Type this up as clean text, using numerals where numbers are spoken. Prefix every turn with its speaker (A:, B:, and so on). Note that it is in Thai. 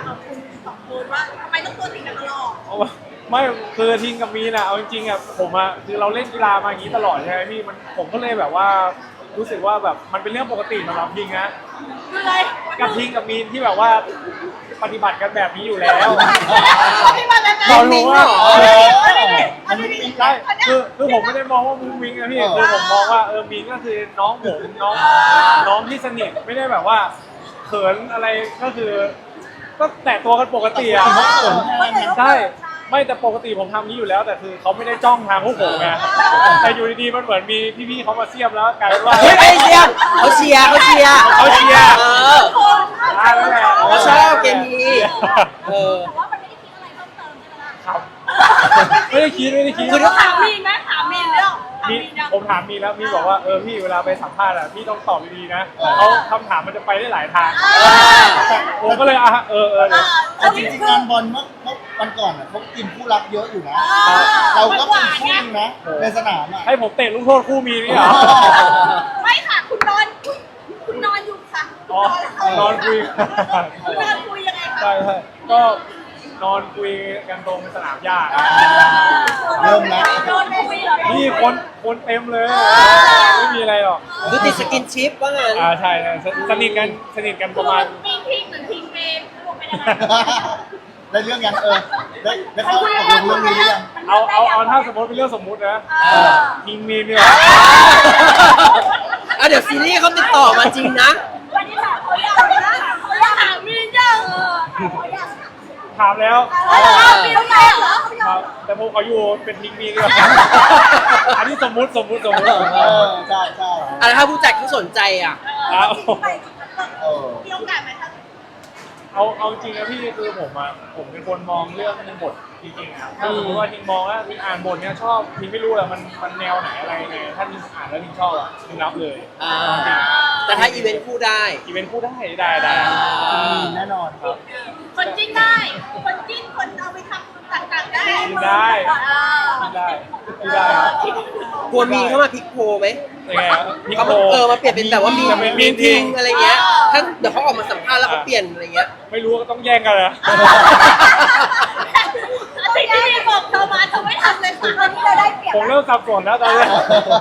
A: กับคุณสองคนว่าทำไมต้องตัวติดกันตลอด
B: ไม่คือทิงกับมีนอะเอาจริงๆอะผมอะคือเราเล่นกีฬามาอย่างนี้ตลอดใช่ไหมพี่มันผมก็เลยแบบว่ารู้สึกว่าแบบมันเป็นเรื่องปกติสำหรับทิงนะ
A: คืออะไร
B: กับทิงกับมีนที่แบบว่าปฏิบัติกันแบบนี้อยู่แล้ว
A: พี่มาแล้วนะ
B: เรารู้ว่า
A: อันนี้
B: ใช่คือผมไม่ได้มองว่ามุ้งมิ้งนะพี่คือผมมองว่ามิ้งก็คือน้องผมน้องที่สนิทไม่ได้แบบว่าเขินอะไรก็คือ ก็แตะตัวกันปกติอ่ะใช่ไม่แต่ปกติผมทำนี้อยู่แล้ว แต่คือเขาไม่ได้จ้องทางพวกผมไงแต่อยู่ดีๆมันเหมือนมีพี่ๆเขามาเสียบแล้วกลายเป็นว่า
C: เฮ้ยไม่เชียร์เขาเชียร์
B: เขาเชียร์
C: แล้วแหละเขาชอบเกมนี้
A: แต่ว่ามันไม่ได้คิดอะไรเพิ่มเติมใช่ไหมล่ะ
B: ครับไม่ได้คิด
C: คือถ้า
A: ถามมีนไหมถามมีนเรื่อง
B: ผมถามมีแล้วมีบอกว่าพี่เวลาไปสัมภาษณ์อ่ะพี่ต้องตอบดีๆนะเขาคำถามมันจะไปได้หลายทางผมก็เลย
D: แต่จริงๆงานบอลเมื่อวันก่อนอ่ะเขากินคู่รักเยอะอยู่นะ เราก็เป็นคู่นึงนะในสนามอ่ะ
B: ให้ผมเตะลูกโทษคู่มีนี่เหรอ
A: ไม่ค่ะคุณนอนอยู่ค่ะ
B: อ๋อนอนคุย
A: คุณนอนคุยยังไงคะ
B: ใช่ก็นอนคุยกันตรงสนามหญ้า
D: เริ่มแล้ว
A: นอนคุยเหรอ
B: นี่คนเต็มเลยไม่มีอะไรหรอก
C: คือติดสกินชิปว่างั้น
B: ใช่สนิทกันประมาณ
A: มีพิงเหมือนพิงเมนรวมเป็นยังไง
D: ได้เรื่องยังได้เข้าตกลงเรื่องนี้หรือยัง
B: เอาถ้าสมมติเป็นเรื่องสมมุตินะยิงมีเนี่ย
C: เดี๋ยวซีรีส์เขาติดต่อมาจริงนะ
A: วันนี้ถามเขายังนะเขายังถามมีนยังเขายัง
B: ถามแล้ว
A: มีนยังเหรอ
B: ครับแต่ผมขออยู่เป็นยิงมีดีกว่าอันนี้สมมุติ
D: ใช่
C: อะไรถ้าผู้จัดเขาสนใจอ่ะ
A: มีโอกาสไหมคะ
B: เอาจริงนะพี่คือผมเป็นคนมองเรื่องบทจริงๆอ่ะถ้าสมมติว่าทิงมองว่าทิงอ่านบทเนี้ยชอบทิงไม่รู้แหละมันแนวไหนอะไรไงถ้าทิงอ่านแล้วทิงชอบอ่ะทิงรับเลย
C: แต่ถ้าอีเวนต์คู่ได้
B: อีเวนต์พูดได้
D: มีแน่นอนครับ
A: คนจิ้นได้ คนจิ้นคนเอาไปทำต่างๆได้
B: กินได้ครับ
C: กลัวมีเข้ามาพลิกโพลไหม
B: ยังไงครับพี่
C: เขา
B: โค
C: มาเปลี่ยนเป็นแบบว่ามี
B: จะเป็น
C: มี
B: มี
C: ทิ
B: ทิ
C: ง
B: ง
C: อะไรเงี้ยถ้าเดี๋ยวเขาออกมาสัมภาษณ์แล้วเขาเปลี่ยนอะไรเงี้ย
B: ไม่รู้ก็ต้องแย่งกันนะ
A: สิ่งที่พี่บอกเธอมาเธอไม่ทำเลยค่ะตอนนี้เราได้เปรียบ
B: ผมเริ่มสับสนแล้วตอนนี้